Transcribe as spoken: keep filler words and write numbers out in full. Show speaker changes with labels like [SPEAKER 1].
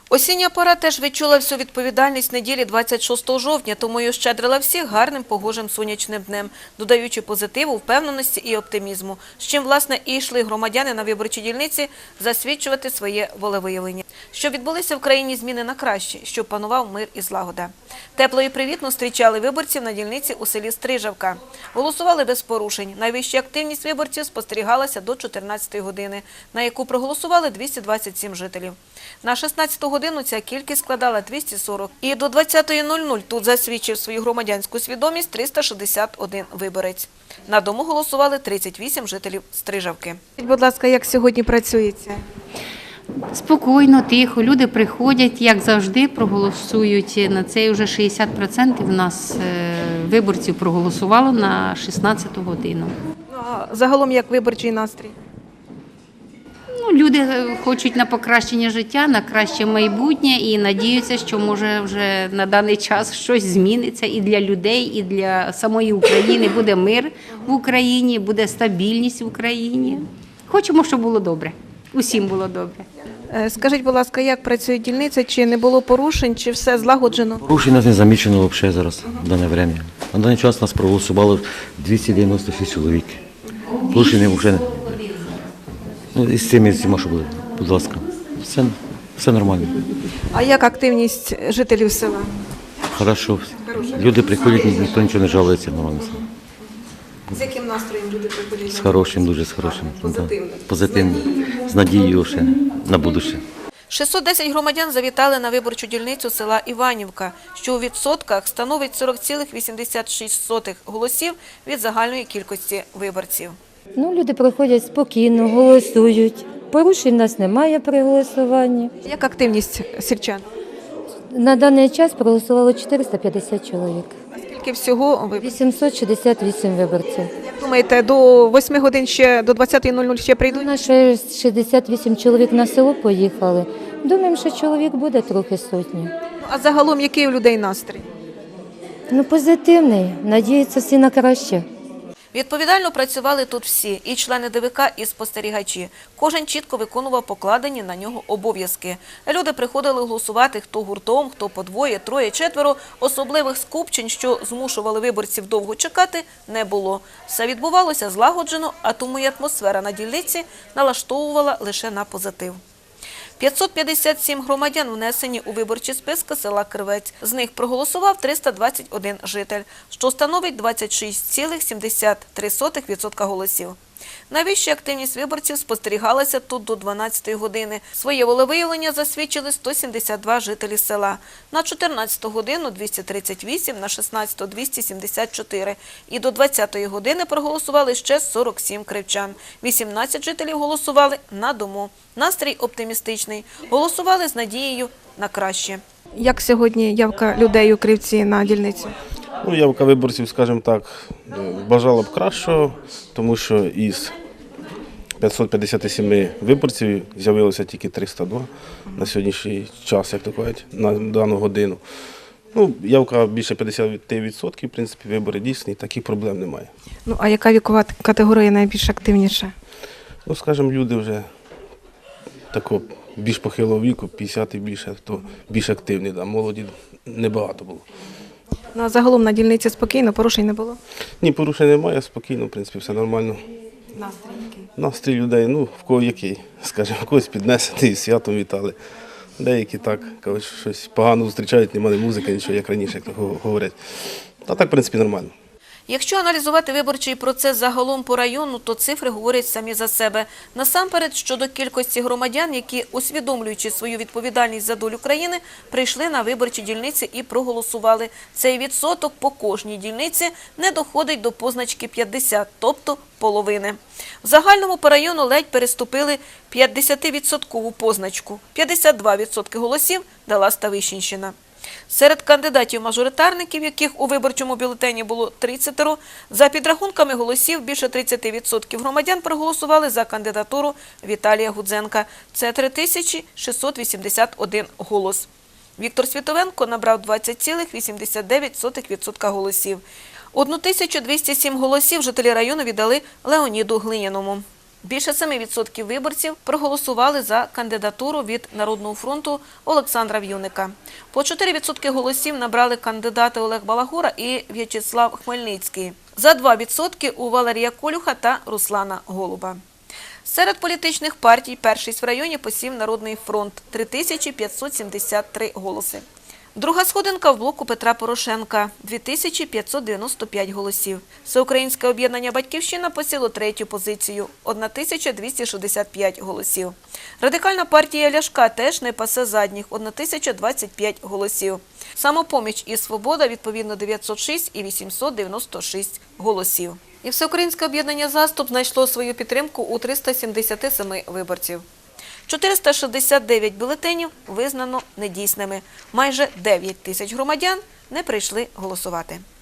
[SPEAKER 1] Осіння пора теж відчула всю відповідальність неділі двадцять шостого жовтня, тому й ощадрила всіх гарним погожим сонячним днем, додаючи позитиву, впевненості і оптимізму, з чим, власне, і йшли громадяни на виборчі дільниці засвідчувати своє волевиявлення. Щоб відбулися в країні зміни на краще, щоб панував мир і злагода. Тепло і привітно зустрічали виборців на дільниці у селі Стрижавка. Голосували без порушень. Найвища активність виборців спостерігалася до чотирнадцятої години, на яку проголосували двісті двадцять сім жителів. На шістнадцяту годину ця кількість складала двісті сорок. І до двадцятої нуль нуль тут засвідчив свою громадянську свідомість триста шістдесят один виборець. На дому голосували тридцять вісім жителів Стрижавки.
[SPEAKER 2] Будь ласка, як сьогодні працюється?
[SPEAKER 3] Спокійно, тихо. Люди приходять, як завжди, проголосують. На це вже шістдесят відсотків у нас виборців проголосувало на шістнадцяту годину.
[SPEAKER 2] Ну, а загалом як виборчий настрій?
[SPEAKER 3] Ну, люди хочуть на покращення життя, на краще майбутнє і надіються, що може вже на даний час щось зміниться і для людей, і для самої України. Буде мир в Україні, буде стабільність в Україні. Хочемо, щоб було добре. Усім було добре.
[SPEAKER 2] Скажіть, будь ласка, як працює дільниця? Чи не було порушень, чи все злагоджено?
[SPEAKER 4] Порушень нас не замічено взагалі зараз, в дане время. На даний час нас проголосувало двісті дев'яносто шість чоловік. Порушень вже не. Ну, і з цими всіма, що були, будь ласка, все, все нормально.
[SPEAKER 2] А як активність жителів села?
[SPEAKER 4] Хорошо. Люди приходять, ніхто нічого не жалується, нормально.
[SPEAKER 2] З яким настроєм люди приходять?
[SPEAKER 4] З хорошим, дуже з хорошим.
[SPEAKER 2] Позитивно.
[SPEAKER 4] Да. Позитивно. З надією ще на будуще.
[SPEAKER 1] шістсот десять громадян завітали на виборчу дільницю села Іванівка, що у відсотках становить сорок цілих вісімдесят шість сотих голосів від загальної кількості виборців.
[SPEAKER 5] Ну, люди приходять спокійно, голосують. Порушень в нас немає при голосуванні.
[SPEAKER 2] Як активність сільчан?
[SPEAKER 5] На даний час проголосувало чотириста п'ятдесят чоловік.
[SPEAKER 2] Скільки всього виборців?
[SPEAKER 5] вісімсот шістдесят вісім виборців.
[SPEAKER 2] Як думаєте, до восьми годин ще, до двадцятої нуль нуль ще
[SPEAKER 5] У
[SPEAKER 2] прийдуть?
[SPEAKER 5] нас ще шістдесят вісім чоловік на село поїхали. Думаємо, що чоловік буде трохи сотні.
[SPEAKER 2] А загалом який у людей настрій?
[SPEAKER 5] Ну, позитивний. Надіються всі на краще.
[SPEAKER 1] Відповідально працювали тут всі – і члени ДВК, і спостерігачі. Кожен чітко виконував покладені на нього обов'язки. Люди приходили голосувати хто гуртом, хто по двоє, троє, четверо. Особливих скупчень, що змушували виборців довго чекати, не було. Все відбувалося злагоджено, а тому і атмосфера на дільниці налаштовувала лише на позитив. п'ятсот п'ятдесят сім громадян внесені у виборчі списки села Кривець. З них проголосував триста двадцять один житель, що становить двадцять шість цілих сімдесят три сотих відсотка голосів. Найвища активність виборців спостерігалася тут до дванадцятої години. Своє волевиявлення засвідчили сто сімдесят два жителі села. На чотирнадцяту годину – двісті тридцять вісім, на шістнадцяту – двісті сімдесят чотири. І до двадцятої години проголосували ще сорок сім кривчан. вісімнадцять жителів голосували на дому. Настрій оптимістичний. Голосували з надією на краще.
[SPEAKER 2] Як сьогодні явка людей у Кривці на дільницю?
[SPEAKER 6] Ну, явка виборців, скажімо так, бажала б кращого, тому що із п'ятсот п'ятдесят сім виборців з'явилося тільки триста два на сьогоднішній час, як то кажуть, на дану годину. Ну, явка більше п'ятдесят відсотків, в принципі, вибори дійсні, таких проблем немає.
[SPEAKER 2] Ну, а яка вікова категорія найбільш активніша?
[SPEAKER 6] Ну, скажімо, люди вже такого більш похилого віку, п'ятдесят і більше, хто більш активний, да, молоді небагато було.
[SPEAKER 2] Ну, а загалом на дільниці спокійно, порушень не було?
[SPEAKER 6] Ні, порушень немає, спокійно, в принципі, все нормально.
[SPEAKER 2] Настрій який?
[SPEAKER 6] Настрій людей, ну, в кого який, скажімо, когось піднесений, святом вітали. Деякі так, кажуть, щось погано зустрічають, немає музики, нічого, як раніше, як то говорять. А так, в принципі, нормально.
[SPEAKER 1] Якщо аналізувати виборчий процес загалом по району, то цифри говорять самі за себе. Насамперед, щодо кількості громадян, які, усвідомлюючи свою відповідальність за долю країни, прийшли на виборчі дільниці і проголосували. Цей відсоток по кожній дільниці не доходить до позначки п'ятдесят, тобто половини. В загальному по району ледь переступили п'ятдесятивідсоткову позначку. п'ятдесят два відсотки голосів дала Ставищенщина. Серед кандидатів-мажоритарників, яких у виборчому бюлетені було тридцять, за підрахунками голосів більше тридцять відсотків громадян проголосували за кандидатуру Віталія Гудзенка. Це три тисячі шістсот вісімдесят один голос. Віктор Світовенко набрав двадцять цілих вісімдесят дев'ять сотих відсотка голосів. тисячу двісті сім голосів жителі району віддали Леоніду Глиняному. Більше семи відсотків виборців проголосували за кандидатуру від Народного фронту Олександра В'юника. По чотири відсотки голосів набрали кандидати Олег Балагура і В'ячеслав Хмельницький. За два відсотки у Валерія Колюха та Руслана Голуба. Серед політичних партій першість в районі посів Народний фронт – три тисячі п'ятсот сімдесят три голоси. Друга сходинка в блоку Петра Порошенка – дві тисячі п'ятсот дев'яносто п'ять голосів. Всеукраїнське об'єднання «Батьківщина» посіло третю позицію – одна тисяча двісті шістдесят п'ять голосів. Радикальна партія Ляшка теж не пасе задніх – одна тисяча двадцять п'ять голосів. Самопоміч і «Свобода» відповідно дев'ятсот шість і вісімсот дев'яносто шість голосів. І Всеукраїнське об'єднання «Заступ» знайшло свою підтримку у триста сімдесят семи виборців. чотириста шістдесят дев'ять бюлетенів визнано недійсними. Майже дев'ять тисяч громадян не прийшли голосувати.